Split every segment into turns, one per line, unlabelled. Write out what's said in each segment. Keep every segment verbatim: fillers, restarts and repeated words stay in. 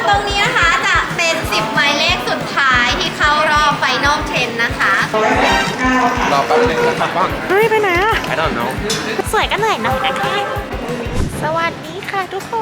ตรงนี้นะคะจะเป็นสิบหมายเลขสุดท้ายที่เข้ารอบไฟนอลเทนนะคะ
รอแป๊บนึงนะครับบ้าง
เฮ้ยไปไหนอะ
I don't know
สวยกันหน่อยนะคะสวัสดีค่ะทุกคน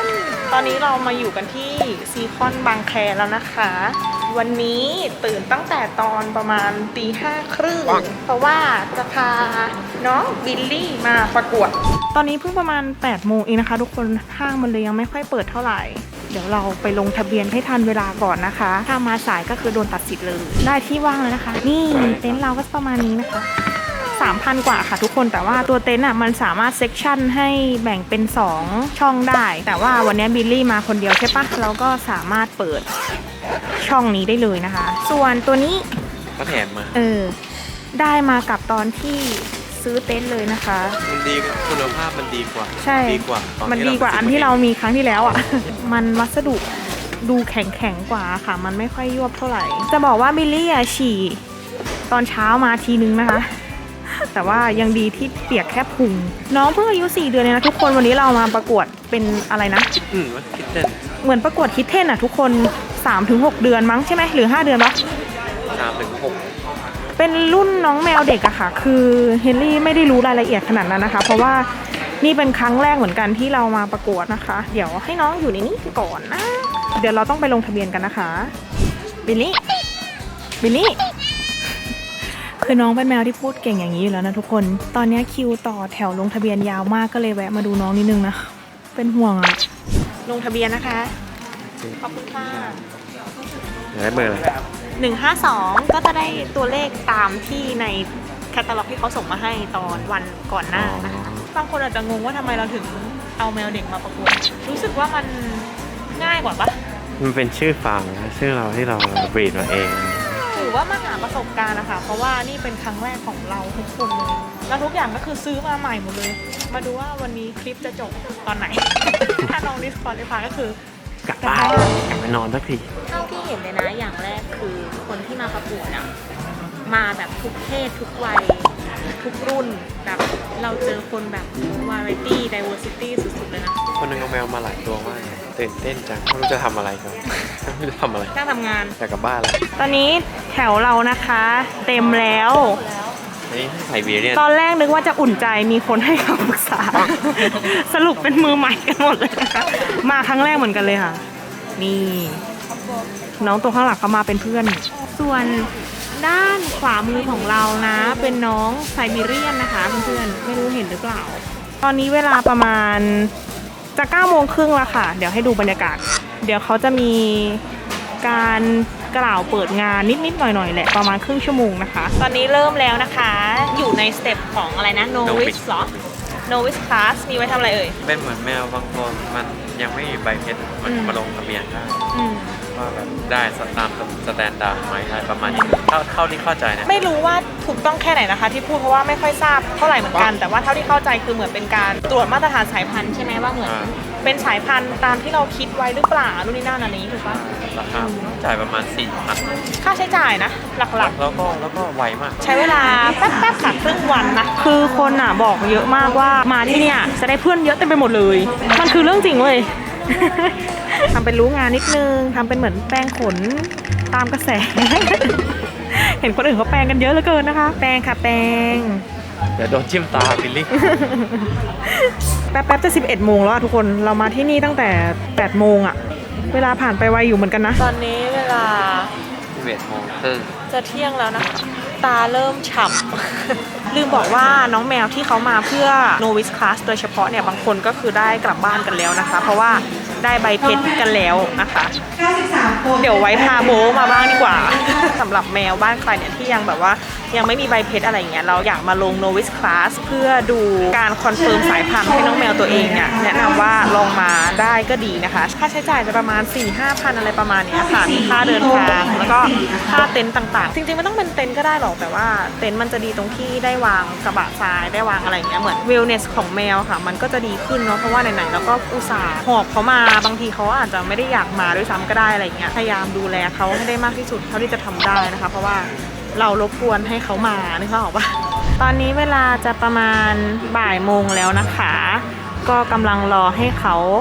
ตอนนี้เรามาอยู่กันที่ซีคอนบางแคแล้วนะคะ วันนี้ตื่นตั้งแต่ตอนประมาณตีห้าครึ่งเพราะว่าจะพาน้องบิลลี่มาประกวด ตอนนี้เพิ่งประมาณแปดโมงเองนะคะทุกคนห้างมันเลยยังไม่ค่อยเปิดเท่าไหร่ เดี๋ยวเราไปลงทะเบียนให้ทันเวลาก่อนนะคะ ถ้ามาสายก็คือโดนตัดสิทธิ์เลย ได้ที่ว่างแล้วนะคะ นี่เต็นท์เราก็ประมาณนี้นะคะสามพัน กว่าค่ะทุกคนแต่ว่าตัวเต็นท์อ่ะมันสามารถเซกชันให้แบ่งเป็นสองช่องได้แต่ว่าวันนี้บิลลี่มาคนเดียวใช่ปะเราก็สามารถเปิดช่องนี้ได้เลยนะคะ ส่วนตัวนี้
ก็แถมมา
เออได้มากับตอนที่ซื้อเต็นท์เลยนะคะ
มันดีคุณภาพมันดีกว่า
ใช่
ดีกว่า
มันดีกว่าอันที่เรามีครั้งที่แล้วอ่ะ มันวัสดุดูแข็งแข็งกว่าค่ะมันไม่ค่อยยวบเท่าไหร่จะบอกว่าบิลลี่อ่ะฉี่ตอนเช้ามาทีนึงนะคะแต่ว่ายังดีที่เปียกแค่พุงน้องเพิ่งอายุสี่เดือนเองนะทุกคนวันนี้เรามาประกวดเป็นอะไรนะ
อืมคิดเต้น
เหมือนประกวดคิดเท่นอ่ะทุกคน สามถึงหก เดือนมั้งใช่ไหมหรือห้าเดือนวะ
สามถึงหก
เป็นรุ่นน้องแมวเด็กอะค่ะคือเฮนรี่ไม่ได้รู้รายละเอียดขนาดนั้นนะคะเพราะว่านี่เป็นครั้งแรกเหมือนกันที่เรามาประกวดนะคะเดี๋ยวให้น้องอยู่ในนี้ก่อนนะเดี๋ยวเราต้องไปลงทะเบียนกันนะคะบิลลี่บิลลี่คือน้องเป็นแมวที่พูดเก่งอย่างนี้อยู่แล้วนะทุกคนตอนนี้คิวต่อแถวลงทะเบียนยาวมากก็เลยแวะมาดูน้องนิดนึงนะเป็นห่วงอะลงทะเบียนนะคะขอบคุณค่ะ
ได้เบอร์อะไร
หนึ่งห้าสองก็จะได้ตัวเลขตามที่ในแคตตาล็อกที่เขาส่งมาให้ตอนวันก่อนหน้านะคะบางคนอาจจะงงว่าทำไมเราถึงเอาแมวเด็กมาประกวดรู้สึกว่ามันง่ายกว่าปะ
มันเป็นชื่อฟาร์มนะชื่อเราที่เราบรีดมาเอง
ถือว่ามาหาประสบการณ์นะคะเพราะว่านี่เป็นครั้งแรกของเราทุกคนเลยแล้วทุกอย่างก็คือซื้อมาใหม่หมดเลยมาดูว่าวันนี้คลิปจะจบตอนไหน ถ้าน้องดิสคอร์ดได้ฟังก็คือก
ลับบ้านกลับไปนอนสักที
เท่าที่เห็นเลยนะอย่างแรกคือคนที่มาประกวดอะมาแบบทุกเพศทุกวัยทุกรุ่นแบบเราเจอคนแบบ variety diversity สุดๆเลยนะ
คนนึงเอาแมวมาหลายตัวมากตื่นเต้นจังไม่รู้จะทำอะไรกันไม่รู้จะทำอะไร
นั่งทำงาน
อยากกลับบ้านแล้ว
ตอนนี้แถวเรานะคะเต็มแล้ว
นี่ไซบีเรียน
ตอนแรกนึกว่าจะอุ่นใจมีคนให้คำปรึกษา สรุปเป็นมือใหม่กันหมดเลยนะคะมาครั้งแรกเหมือนกันเลยค่ะนี่น้องตัวข้างหลังเขามาเป็นเพื่อนส่วนด้านขวามือของเรานะเป็นน้องไซบีเรียนนะคะเพื่อนๆไม่รู้เห็นหรือเปล่าตอนนี้เวลาประมาณจะเก้าโมงครึ่งแล้วค่ะเดี๋ยวให้ดูบรรยากาศเดี๋ยวเขาจะมีการกล่าวเปิดงานนิดๆหน่อยๆแหละประมาณครึ่งชั่วโมงนะคะตอนนี้เริ่มแล้วนะคะอยู่ในสเต็ปของอะไรนะ novice หรอ novice class มีไว้ทำอะไรเอ่ย
เป็นเหมือนแมวบางตัวมันยังไม่มีใบเพชรมันมาลงทะเบียนได้ว่าแบบได้ตามสแตนดาร์ดไหมอะไรประมาณนี้เท่าเท่าที่เข้าใจนะ
ไม่รู้ว่าถูกต้องแค่ไหนนะคะที่พูดเพราะว่าไม่ค่อยทราบเท่าไหร่เหมือนกันแต่ว่าเท่าที่เข้าใจคือเหมือนเป็นการตรวจมาตรฐานสายพันธุ์ใช่ไหมว่าเหมือนเป็นสายพันธุ์ตามที่เราคิดไว้หรือเปล่านู่นนี่นั่นอันนี้ถูกปะ
ราคาจ่ายประมาณสี่พัน
ค่าใช้จ่ายนะหลัก
ๆแล้วก็แล้วก็ไวมาก
ใช้เวลาแป๊บๆค่ะครึ่งวันนะคือคนอ่ะบอกเยอะมากว่ามาที่เนี่ยจะได้เพื่อนเยอะเต็มไปหมดเลยมันคือเรื่องจริงเว้ยทำเป็นรู้งานนิดนึงทำเป็นเหมือนแป้งขนตามกระแส เห็นคนอื่นเขาแปรงกันเยอะเหลือเกินนะคะแปรงค่ะแปรง
เดี๋ยวโดนจิ้มตาบิลลี่
แป๊บๆจะสิบเอ็ดโมงแล้วทุกคนเรามาที่นี่ตั้งแต่แปดโมงอะเวลาผ่านไปไวอยู่เหมือนกันนะตอนนี้เวลา
สิบเอ็ดโมงครึ่ง
จะเที่ยงแล้วนะคะตาเริ่มฉ่ำลืมบอกว่าน้องแมวที่เขามาเพื่อ novice class โดยเฉพาะเนี่ยบางคนก็คือได้กลับบ้านกันแล้วนะคะเพราะว่าได้ใบเพชรกันแล้วนะคะเดี๋ยวไว้พาโบมาบ้างดีกว่าสำหรับแมวบ้านใครเนี่ยที่ยังแบบว่ายังไม่มีใบเพชรอะไรเงี้ยเราอยากมาลง novice class เพื่อดูการคอนเฟิร์มสายพันธุ์ให้น้องแมวตัวเองเนี่ยแนะนำว่าลองมาได้ก็ดีนะคะค่าใช้จ่ายจะประมาณ สี่ห้าพัน อะไรประมาณนี้ค่ะมีค่าเดินทางแล้วก็ค่าเต็นท์ต่างๆจริงๆไม่ต้องเป็นเต็นท์ก็ได้หรอกแต่ว่าเต็นท์มันจะดีตรงที่ได้วางกระบะทรายได้วางอะไรเงี้ยเหมือน wellness ของแมวค่ะมันก็จะดีขึ้นเนาะเพราะว่าไหนๆแล้วก็อุตส่าห์หอบเขามาบางทีเขาอาจจะไม่ได้อยากมาด้วยซ้ำก็ได้อะไรเงี้ยพยายามดูแลเขาให้ได้มากที่สุดเท่าที่จะทำได้นะคะเพราะว่าเรารบกวนให้เขามานึกภาพออกปะตอนนี้เวลาจะประมาณบ่ายโมงแล้วนะคะก็กำลังรอให้เขา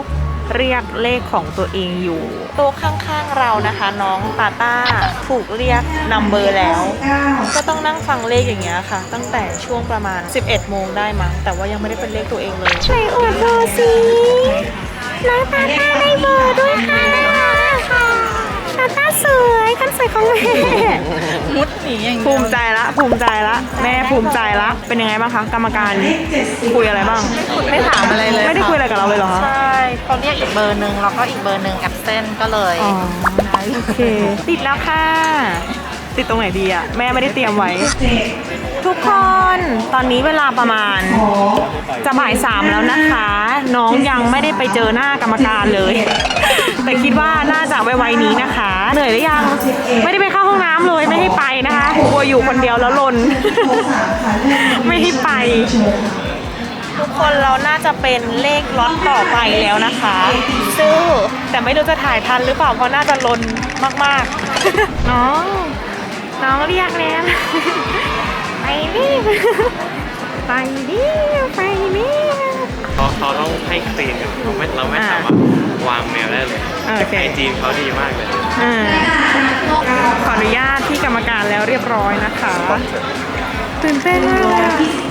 เรียกเลขของตัวเองอยู่โต๊ะข้างๆเรานะคะ น้องตาต้าถูกเรียกนัมเบอร์แล้ว ก็ต้องนั่งฟังเลขอย่างเงี้ยค่ะ ตั้งแต่ช่วงประมาณ สิบเอ็ดโมงได้มั้งแต่ว่ายังไม่ได้เป็นเลขตัวเองเลยไหนอวดเบอร์สิน้องตาต้าได้เบอร์ด้วยค่ะตาต้าสวยคันสวยของแม่มุดหนีอย่างภูมิใจละภูมิใจละแม่ภูมิใจละเป็นยังไงบ้างคะกรรมการคุยอะไรบ้างไม่ถามอะไรเลยไม่ได้คุยอะไรกับเราเลยเหรอคะ
ใช่เขาเรียกอีกเบอร์หนึ่งแล้วก็อีกเบอร์หนึ่งแอบเซนก็เลย
อ๋อโอเคติดแล้วค่ะติดตรงไหนดีอะแม่ไม่ได้เตรียมไว้ ทุกคนตอนนี้เวลาประมาณจะบ่ายสามแล้วนะคะ น้องยังไม่ได้ไปเจอหน้ากรรมการเลย แต่คิดว่าน่าจะไวๆนี้นะคะเหนื่อยหรือยังไม่ได้ไปเข้าห้องน้ำเลยไม่ให้ไปนะคะกลัวอยู่คนเดียวแล้วลน ไม่ให้ไป ทุกคนเราน่าจะเป็นเลขล็อตต่อไปแล้วนะคะซื้อแต่ไม่รู้จะถ่ายทันหรือเปล่าเพราะน่าจะลนมากๆ น้องน้องเรียกแล้ว ไปนี่ไปนี่ไปนี่
เขาเขาต้องให้คลีนกันเราไม่เราไม่สามารถวางแมวได้เลยไอจีนเขาดีมากเลย
ขออนุญาตที่กรรมการแล้วเรียบร้อยนะคะตื่นเต้นมากเลย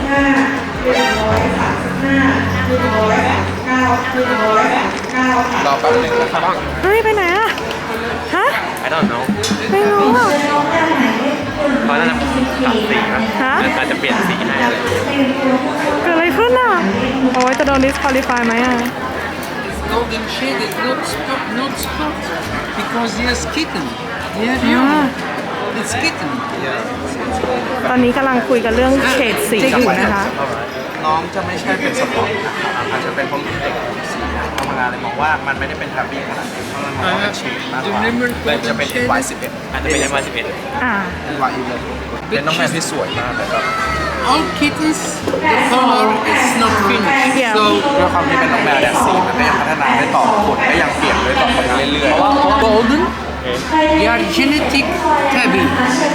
รอแป๊บนึงนะครับ
เฮ้ยไปไหนอะฮะ
I don't know
ไม่รู้อะ
เขาน่าจะปรับสีป่ะอาจจะเปลี่ยนสีให้อะไร
เกิดอะไรขึ้นอ่ะโอ้ยจะโดน disqualify ไหมอ่ะ
Golden shade is not spot, not spot because yes kitten. Yeah, yeah. It's kitten.
ตอนนี้กำลังคุยกันเรื่องเฉดสีอยู่นะคะ
น้องจะไม่ใช่เป็นสปอร์ตนะครับอาจจะเป็นเพราะเด็กสีทำงานเลยมองว่ามันไม่ได้เป็นแทบบี้ขนาดนี้เพราะมันมองว่าเป็นเชดมากกว่าเลยจะเป็น วาย สิบเอ็ด
อาจจะเป็นยังมาสิบเอ็ด
อ่า
วาย อีเลฟเป็นน้องแมวที่สวยมากเลยครับ
All kittens, the color is not finished.
Yeah.
So
ด้วยความที่เป็นน้องแมวเนี่ยสีมันก็ยังพัฒนาได้ต่อขนก็ยังเปลี่ยนได้ต่อไปเรื่อย
golden, they are genetic tabby.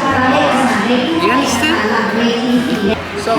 You understand? So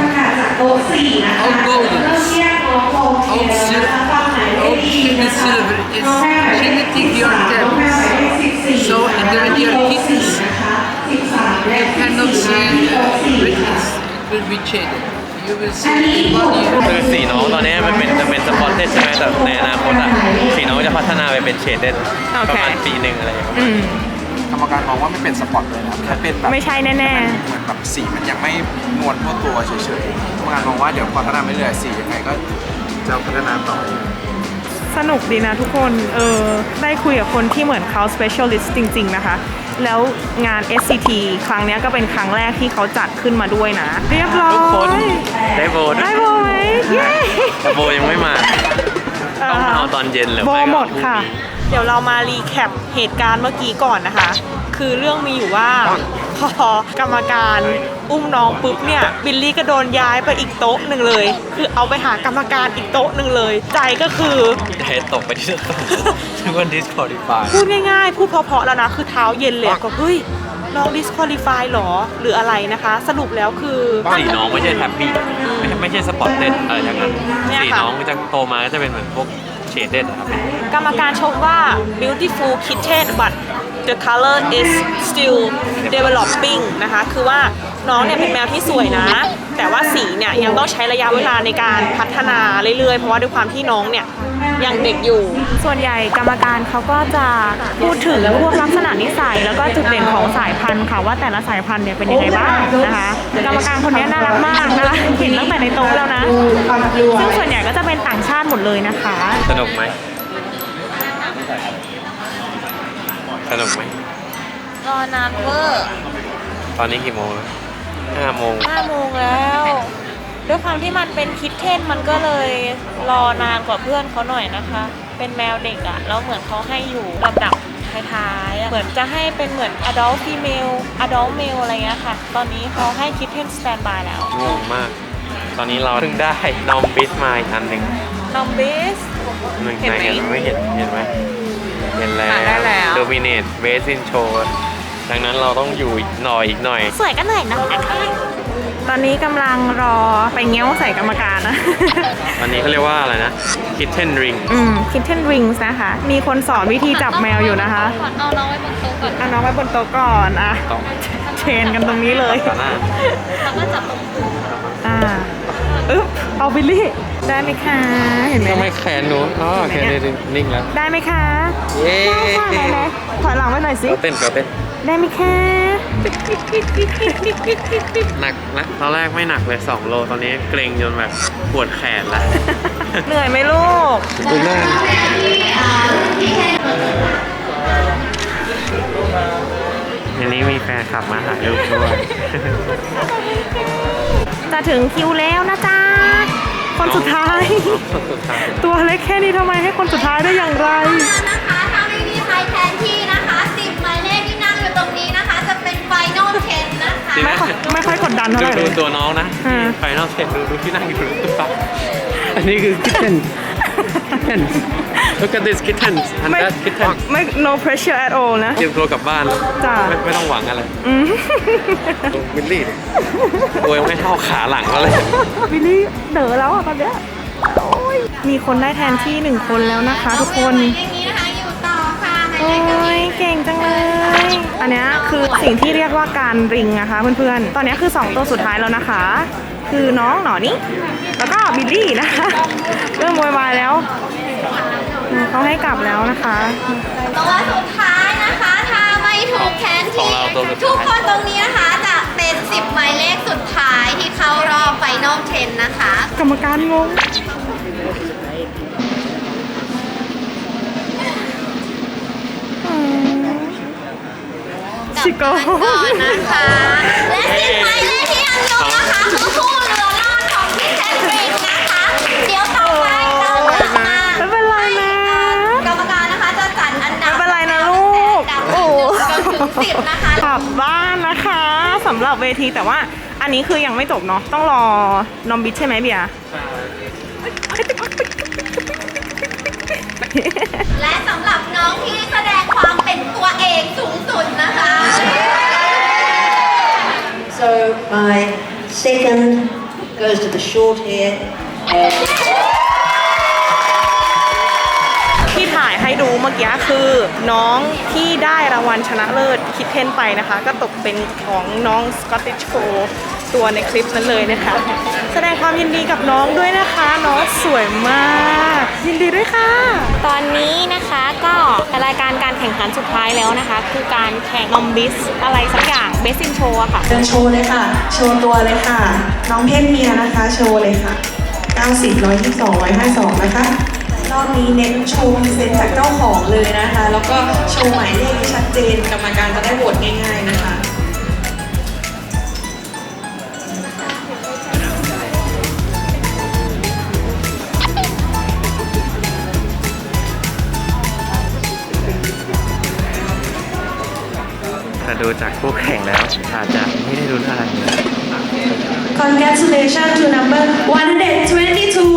all goldens, all silver, all kitten silver is genetic. They are tabbies. So and then they are kittens. You cannot see uh, redness. It will be shaded. You will see in one year.
คือสีน้องตอนนี้มันเป็นจะเป็นสปอตเต็ดใช่ไหมแต่ในอนาคตอะสีน้องจะพัฒนาไปเป็นเชดเด็ดประมาณปีหนึ่งอะไรอย่างเงี้ย
ๆกรรมการมองว่าไม่เป็นสปอร์ตเลยนะแค่เป็นแบบ
ไม่ใช่แน่
เหมือนแบบสีมันยังไม่นวลทั่วตัวเฉยๆกรรมการมองว่าเดี๋ยวพัฒนาไปเรื่อยสียังไงก็จะพัฒนาต่อ
ๆ สนุกดีนะทุกคนเออได้คุยกับคนที่เหมือนเขา specialist จริงๆนะคะ แล้วงาน เอส ซี ที ครั้งนี้ก็เป็นครั้งแรกที่เขาจัดขึ้นมาด้วยนะ เรียบร้อย
ทุกคนได้โบน
ได้โบไหมเย้
แต่โบยังไม่มาต้องมาเอาตอนเย็นหรือ
โบ
ไม่ก็
หมดค่ะ เดี๋ยวเรามารีแคปเหตุการณ์เมื่อกี้ก่อนนะคะ คือเรื่องมีอยู่ว่าพอกรรมการอุ้มน้องปุ๊บเนี่ยบิลลี่ก็โดนย้ายไปอีกโต๊ะหนึ่งเลย คือเอาไปหากรรมการอีกโต๊ะหนึ่งเลย ใจก็คือ
เทตกไปที่โต๊ะทุกคน disqualify
พูดง่ายๆ พูดเพราะๆแล้วนะ คือเท้าเย็นเลยก็เฮ้ย น้อง disqualify หรอ หรืออะไรนะคะ สรุปแล้วคือ
สีน้องไม่ใช่แทบบี้ไม่ใช่ไม่ใช่สปอตเต็ดอะไรอย่างนั้น
เนี่ยค่ะ
สีน้องจะโตมาก็จะเป็นเหมือนพวกเชดเด็ดครับ
กรรมการชมว่า beautiful kitten but the color is still developing นะคะ คือว่าน้องเนี่ยเป็นแมวที่สวยนะ แต่ว่าสีเนี่ยยังต้องใช้ระยะเวลาในการพัฒนาเรื่อยๆ เพราะว่าด้วยความที่น้องเนี่ยยังเด็กอยู่ ส่วนใหญ่กรรมการเขาก็จะพูดถึงพวกลักษณะนิสัยแล้วก็จุดเด่นของสายพันธุ์ค่ะว่าแต่ละสายพันธุ์เนี่ยเป็นยังไงบ้างนะคะ กรรมการคนนี้น่ารักมากนะคะเห็นตั้งแต่ในโต๊ะแล้วนะ ซึ่งส่วนใหญ่ก็จะเป็นต่างชาติหมดเลยนะคะ
สนุกไหมสนุกไหม
รอนานเวอร์
ตอนนี้กี่โมงแล้วห้าโมง
ห้าโมงแล้วด้วยความที่มันเป็นคิดเทนมันก็เลยรอนานกว่าเพื่อนเขาหน่อยนะคะ เป็นแมวเด็กอะแล้วเหมือนเขาให้อยู่ลำดับท้ายๆอะเหมือนจะให้เป็นเหมือน adult female adult male อะไรเงี้ยค่ะ ตอนนี้เขาให้คิดเทน stand by แล้ว
งงมาก ตอนนี้เราเพิ่งได้นอมบิสมาอีกอันหนึ่ง
น้องเบส
หนึ่ง
เห็น
ไหน
ไหม
เห็นไม่เห็นเห็นไหมเห็นแล้
อ่ะได้แล้ว
โดมิเนตเบสซินโชดังนั้นเราต้องอยู่อีกหน่อยอีกหน่อย
สวยก็เหนื่อยนะคะตอนนี้กำลังรอไปเงี้ยวใส่กรรมการนะ
อันนี้เขาเรียกว่าอะไรนะ kitten ring
อืม kitten rings นะคะ มีคนสอนวิธีจับแมวอยู่นะคะ
เอาน้องไว้บนโต๊ะก่อน
เอาน้องไว้บนโต๊ะก่อนอ่ะ
ต่อ
เชนกันตรงนี้เลย
ต่อหน้า
แล้วก็จับตรง
อ่าอึ๊บเอาบิลลี่ ได้ไหมคะ เห็นไหม
ทำไมแขนหนูอ๋อแขนนี่นิ่งแล้ว
ได้ไหมคะ
เย้
ได้ค่ะไหนๆถอยหลังไว้หน่อยสิ
เราเต้นเราเต้น
ได้ไหมคะ
หนักนะตอนแรกไม่หนักเลยสองโลตอนนี้เกร็งจนแบบปวดแขนแล้ว
เหนื่อยไหมลูก
ดูหน้าอันนี้มีแฟนขับมาถ่ายรูปด้วย
จะถึงคิวแล้วนะจ๊ะ คนสุดท้าย
คนสุดท้าย
ตัวเล็กแค่นี้ทำไมให้คนสุดท้ายได้อย่างไร
นะคะ ถ้าไม่มีใครแทนที่นะคะสิบหมายเลขที่นั่งอยู่ตรงนี้นะคะ จะเป็นไฟนอลเทนนะคะ
ไม่ค่อยไม่ค่อยกดดันเท่าไหร่
ดู
เล
ดู
ย
ตัวน้องนะ
อ่า
ไฟนอลเซ็ตดูดูที่นั่งอยู่ดูตุ๊กตาอันนี้คือ kitten kitten look at this kitten and
ไม่
that kitten
ไม่ no pressure at all นะ
เตรียมตัวกลับบ้าน
จ้ะ
ไม่ไม่ต้องหวังอะไร
อืม
ดูวิลลี่ดิตัวยังไม่เท่าขาหลังเขาเลย
วิลลี่เด๋อแล้วอ่ะตอนเนี้ยโอ้ยมีคนได้แทนที่หนึ่งคนแล้วนะคะทุกคน
หมายเลขนี้นะคะอยู่ต่อค่ะหมาย
โอ้
เลขนี้
ยเก่งจังเลย อันเนี้ยคือสิ่งที่เรียกว่าการริงนะคะเพื่อนๆ ตอนเนี้ยคือสองตัวสุดท้ายแล้วนะคะ คือน้องหนอนี่แล้วก็บิลลี่นะคะ เริ่มโวยวายแล้วอืมเขาให้กลับแล้วนะคะ
ตัวสุดท้ายนะคะ ถ้าไม่ถูกแทน
ของ
ที่
เราตัวสุดท้าย
ทุกคนตรงนี้นะคะจะเป็นสิบหมายเลขสุดท้ายที่เข้ารอบไฟนอลเทนนะคะ
กรรมการงง อืม ชิโก้
ก่อนนะคะ และสิบหมายเลขที่ยังอยู่นะคะคือผู้เรือรอดของพี่แทนเบรกนะคะ เดี๋ยวต่อไปเราจะมา
ไม่เป็นไรนะ
กรรมการนะคะจะจัดอันดับ
ไม่เป็นไรนะลูก
จาก
โอ้
หนึ่งจนถึงสิบนะคะ
กลับบ้านนะคะสำหรับเวทีแต่ว่าอันนี้คือยังไม่จบเนาะต้องรอนอมบิทใช่ไหมเบียร์
และสำหรับน้องที่แสดงความเป็นตัวเองสูงสุดนะคะ
So my second goes to the short hair and
ที่ถ่ายให้ดูเมื่อกี้คือน้องที่ได้รางวัลชนะเลิศคิดเทนไปนะคะ ก็ตกเป็นของน้องสกอตติชโฟตัวในคลิปนั้นเลยนะคะ แสดงความยินดีกับน้องด้วยนะคะ น้องสวยมาก ยินดีด้วยค่ะ ตอนนี้นะคะก็รายการการแข่งขันสุดท้ายแล้วนะคะ คือการแข่งนอมบิสอะไรสักอย่างเบสซินโชว์ค่ะ
เดินโชว์เลยค่ะ โชว์ตัวเลยค่ะ น้องเพศเมียนะคะ โชว์เลยค่ะ เก้าสิบ หนึ่งร้อยยี่สิบสอง หนึ่งร้อยห้าสิบสอง นะคะ รอบนี้เน้นโชว์พรีเซนต์จากเจ้าของเลยนะคะ แล้วก็โชว์หมายเลขที่ชัดเจน กรรมการจะได้โหวตง่ายๆนะคะ
แต่ดูจากคู่แข่งแล้วอาจจะไม่ได้ลุ้นอะไรเลย
Congratulations to number one hundred twenty-two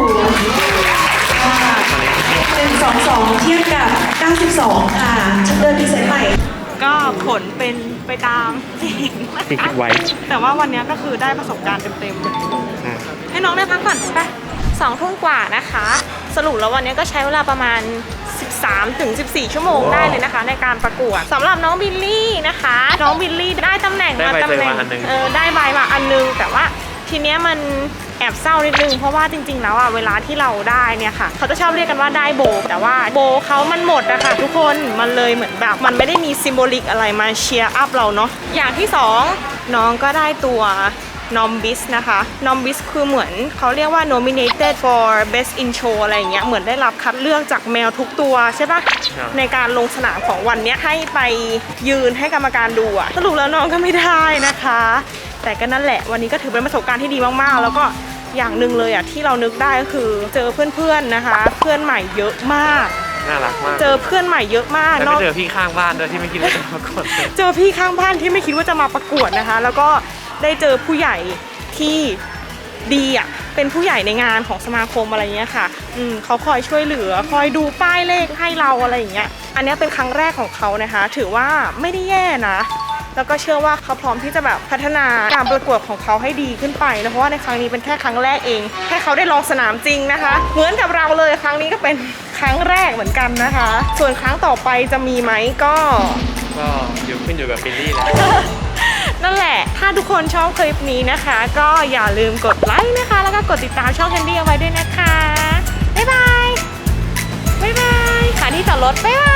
ค่ะหนึ่งสองสองเทียบกับเก้าสิบสองค่ะเดินพรีเซนต์ใหม่
ก็ผลเป็นไปตามที่เห็นนะ
ที่คิ
คะ
ดไว้
แต่ว่าวันนี้ก็คือได้ประสบการณ์เต็มๆ
อ่ะ
ให้น้องได้พักก่อนไปสองทุ่มกว่านะคะ สรุปแล้ววันนี้ก็ใช้เวลาประมาณ สิบสามถึงสิบสี่ ชั่วโมงได้เลยนะคะ ในการประกวดสำหรับน้องบิลลี่นะคะ น้องบิลลี่ได้ตำแหน่ง
ได้
มา
ใบ
ตำ
เซอร์
แหน่ง
มาอันหนึ่ง
เออได้ใบมาอันนึง แต่ว่าทีเนี้ยมันแอบเศร้านิดนึง เพราะว่าจริงๆแล้วอ่ะเวลาที่เราได้เนี่ยค่ะเขาจะชอบเรียกกันว่าได้โบ แต่ว่าโบเขามันหมดอะค่ะทุกคนมันเลยเหมือนแบบมันไม่ได้มีซิมโบลิกอะไรมาเชียร์อัพเราเนาะอย่างที่สองน้องก็ได้ตัวนอมบิสนะคะนอมบิสคือเหมือนเขาเรียกว่า nominated for best in show อะไรอย่างเงี้ยเหมือนได้รับคัดเลือกจากแมวทุกตัวใช่ปะในการลงสนามของวันเนี้ยให้ไปยืนให้กรรมการดูอะสรุปแล้วน้องก็ไม่ได้นะคะ แต่ก็นั่นแหละวันนี้ก็ถือเป็นประสบการณ์ที่ดีมากๆ แล้วก็อย่างหนึ่งเลยอะที่เรานึกได้ก็คือเจอเพื่อนๆนะคะ เพื่อนใหม่เยอะมาก
น่ารักมาก
เจอเพื่อนใหม่เยอะมาก
แล้ว
น
ไป
อก
เจอพี่ข้างบ้านด้วยที่ไม่คิดว่าจะมากด
เจอพี่ข้างบ้านที่ไม่คิดว่าจะมาประกวดนะคะ แล้วก็ได้เจอผู้ใหญ่ที่ดีอ่ะเป็นผู้ใหญ่ในงานของสมาคมอะไรเงี้ยค่ะอืมเขาคอยช่วยเหลือคอยดูป้ายเลขให้เราอะไรอย่างเงี้ยอันนี้เป็นครั้งแรกของเขานะคะ ถือว่าไม่ได้แย่นะแล้วก็เชื่อว่าเขาพร้อมที่จะแบบพัฒนาการประกวดของเขาให้ดีขึ้นไปนะเพราะว่าในครั้งนี้เป็นแค่ครั้งแรกเองให้เขาได้ลองสนามจริงนะคะเหมือนกับเราเลยครั้งนี้ก็เป็นครั้งแรกเหมือนกันนะคะ ส่วนครั้งต่อไปจะมีไหมก็
ก็อยู่ขึ้นอยู่กับบิลลี่แหละ
นั่นแหละ ถ้าทุกคนชอบคลิปนี้นะคะ ก็อย่าลืมกดไลค์นะคะ แล้วก็กดติดตามช่องแคนดี้เอาไว้ด้วยนะคะ บ๊ายบาย บ๊ายบายค่ะที่จอดรถ บ๊ายบาย